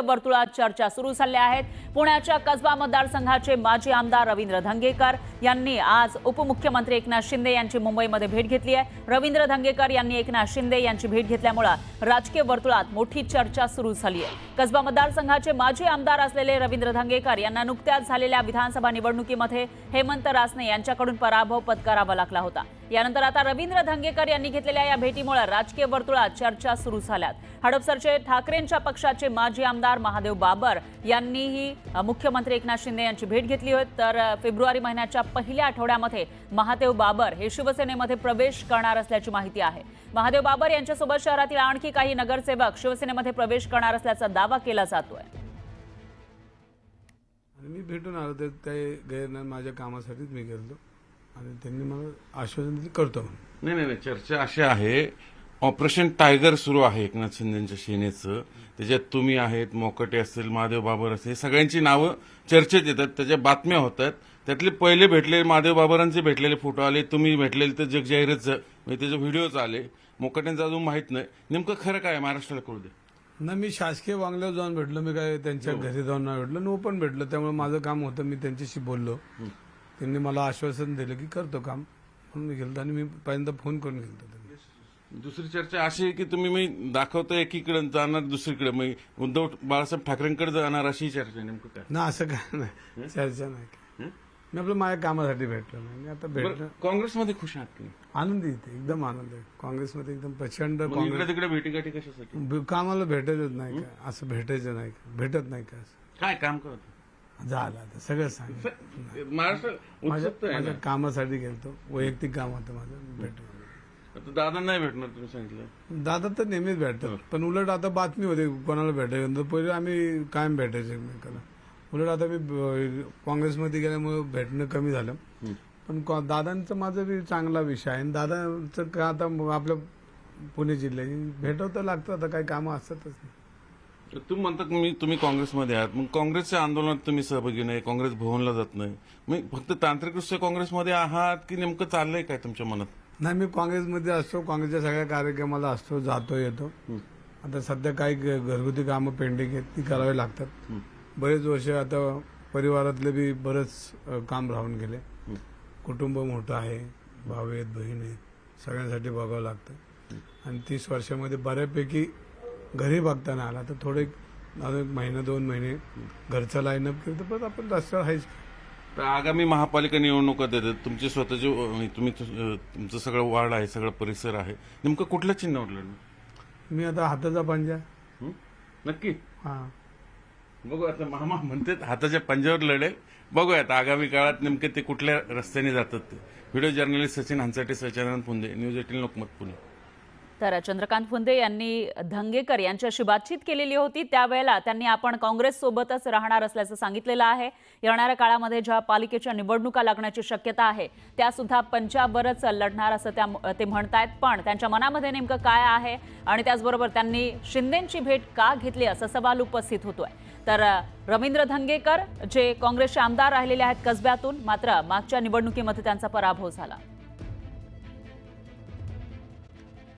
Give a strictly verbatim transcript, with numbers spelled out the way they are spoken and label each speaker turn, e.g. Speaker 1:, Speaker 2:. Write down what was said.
Speaker 1: वर्तुळात चर्चा सुरू झाल्या आहेत। पुण्याच्या कसबा मतदारसंघाचे माजी आमदार रवींद्र धंगेकर यांनी आज उपमुख्यमंत्री एकनाथ शिंदे यांची मुंबईमध्ये भेट घेतली आहे। रवींद्र धंगेकर यांनी एकनाथ शिंदे यांची भेट घेतल्यामुळे राजकीय वर्तुळात मोठी चर्चा सुरू झाली आहे। कसबा मतदारसंघाचे माजी आमदार असलेले रवींद्र धंगेकर यांना नुकत्याच झालेल्या विधानसभा निवडणुकीमध्ये हेमंत रासने यांच्याकडून पराभव पत्करावा लागला होता। यानंतर आता रवींद्र धंगेकर यांनी घेतलेल्या या भेटीमुळे राजकीय वर्तुळात चर्चा सुरू झाल्यात। हडपसरचे ठाकरेंच्या पक्षाचे माजी आमदार महादेव बाबर यांनीही मुख्यमंत्री एकनाथ शिंदे यांची भेट घेतली होती। तर फेब्रुवारी महिन्याच्या पहिल्या आठवड्यामध्ये महादेव बाबर हे शिवसेनेमध्ये प्रवेश करणार असल्याची माहिती आहे। महादेव बाबर यांच्यासोबत शहरातील आणखी काही नगरसेवक शिवसेनेमध्ये प्रवेश करणार असल्याचा दावा केला जातोय।
Speaker 2: मी भेटून आलो तर काही गैर नाही, माझ्या कामासाठीच मी गेलो आणि त्यांनी मला आश्वासन दिले करतो म्हणून।
Speaker 3: नाही नाही चर्चा अशी आहे, ऑपरेशन टायगर सुरू आहे एकनाथ शिंदेच्या सेनेचं। त्याच्यात तुम्ही आहेत, मोकटे असतील, महादेव बाबर असतील, सगळ्यांची नावं चर्चेत येतात, त्याच्या बातम्या होतात। त्यातले पहिले भेटले महादेव बाबरांचे भेटलेले फोटो आले, तुम्ही भेटलेले तर जगजाहीरच म्हणजे त्याचे व्हिडिओज आले। मोकट्यांचं अजून माहित नाही नेमकं खरं काय महाराष्ट्राला कळू दे
Speaker 2: ना। मी शासकीय बंगल्यावर जाऊन भेटलो, मी काय त्यांच्या घरी जाऊन नाही भेटलो, नो पण भेटलो, त्यामुळे माझं काम होतं, मी त्यांच्याशी बोललो। त्यांनी मला आश्वासन दिलं की करतो काम म्हणून मी गेलो आणि मी पहिल्यांदा फोन करून गेलो।
Speaker 3: दुसरी चर्चा अशी आहे की तुम्ही मी दाखवतो एकीकडे जाणार दुसरीकडे, मग उद्धव बाळासाहेब ठाकरेंकडे जाणार अशी चर्चा आहे। नेमकं काय
Speaker 2: ना असं काय नाही, चर्चा नाही। मी आपलं माझ्या कामासाठी भेटलो नाही, मी आता भेटलो।
Speaker 3: काँग्रेसमध्ये खुश आहात की
Speaker 2: आनंदी येते, एकदम आनंद आहे काँग्रेसमध्ये, एकदम प्रचंड।
Speaker 3: इकडे तिकडे भेटीगाठी कशासाठी?
Speaker 2: कामाला भेटायचंच नाही का, असं भेटायचं नाही का, भेटत नाही का, असं
Speaker 3: काय काम करत
Speaker 2: झालं आता सगळं सांग।
Speaker 3: महाराष्ट्र
Speaker 2: माझ्या कामासाठी गेलतो, वैयक्तिक काम होतं माझं, भेटलो।
Speaker 3: दादा नाही भेटणार तुम्ही सांगितलं?
Speaker 2: दादा तर नेहमीच भेटतात, पण उलट आता बातमी होते कोणाला भेटायचं, पहिले आम्ही कायम भेटायचो एकमेकाला। उलट आता मी काँग्रेसमध्ये गेल्यामुळे भेटणं कमी झालं, पण दादांचं माझं बी चांगला विषय आहे। दादांचं का आता आपल्या पुणे जिल्ह्याची भेटवतं लागतं, आता काही कामं असतातच नाही।
Speaker 3: तुम्ही म्हणता मी तुम्ही काँग्रेसमध्ये आहात, मग काँग्रेसच्या आंदोलनात तुम्ही सहभागी नाही, काँग्रेस भवनला जात नाही, मग फक्त तांत्रिकदृष्ट्या काँग्रेसमध्ये आहात की नेमकं चाललंय काय तुमच्या मनात?
Speaker 2: नाही, मी काँग्रेसमध्ये असतो, काँग्रेसच्या सगळ्या कार्यक्रमाला असतो, जातो येतो। आता सध्या काही घरगुती कामं पेंडिंग आहेत, ती करावी लागतात। बरेच वर्ष आता परिवारातले बी बरेच काम राहून गेले, कुटुंब मोठं आहे, भाऊ आहेत, बहीण आहेत, सगळ्यांसाठी बघावं लागतं। आणि तीस वर्षामध्ये बऱ्यापैकी घरी बघता नाही आला, तर थोडे एक महिना दोन महिने घरचा लाईनअप केलं तर परत आपण रस्त्यावर आहेच।
Speaker 3: तर आगामी महापालिका निवडणुका देतात, तुमचे स्वतःचे तुम्ही तुमचं सगळं वार्ड आहे, सगळं परिसर आहे, नेमकं कुठलं चिन्ह उडलं?
Speaker 2: मी आता हाताचा पंजा।
Speaker 3: नक्की?
Speaker 2: हा,
Speaker 3: बघू आता मामा म्हणते हाताच्या पंजावर लढेल, बघूयात आगामी काळात नेमके ते कुठल्या रस्त्याने जातात ते। Video journalist Sachin Hanchate, Sachidanand Punde, news eighteen Lokmat Pune.
Speaker 1: तर चंद्रकांत फुंदे यांनी धंगेकर यांच्याशी बातचीत केलेली होती, त्यावेळेला त्यांनी आपण काँग्रेस सोबतच राहणार असल्याचं सांगितलेलं आहे। येणाऱ्या काळामध्ये ज्या पालिकेच्या निवडणुका लागण्याची शक्यता आहे त्या सुद्धा पंजाबवरच लढणार असं त्या ते म्हणतायत। पण त्यांच्या मनामध्ये नेमकं काय आहे आणि त्याचबरोबर त्यांनी शिंदेंची भेट का घेतली असा सवाल उपस्थित होतोय। तर रवींद्र धंगेकर जे काँग्रेसचे आमदार राहिलेले आहेत कसब्यातून, मात्र मागच्या निवडणुकीमध्ये त्यांचा पराभव झाला।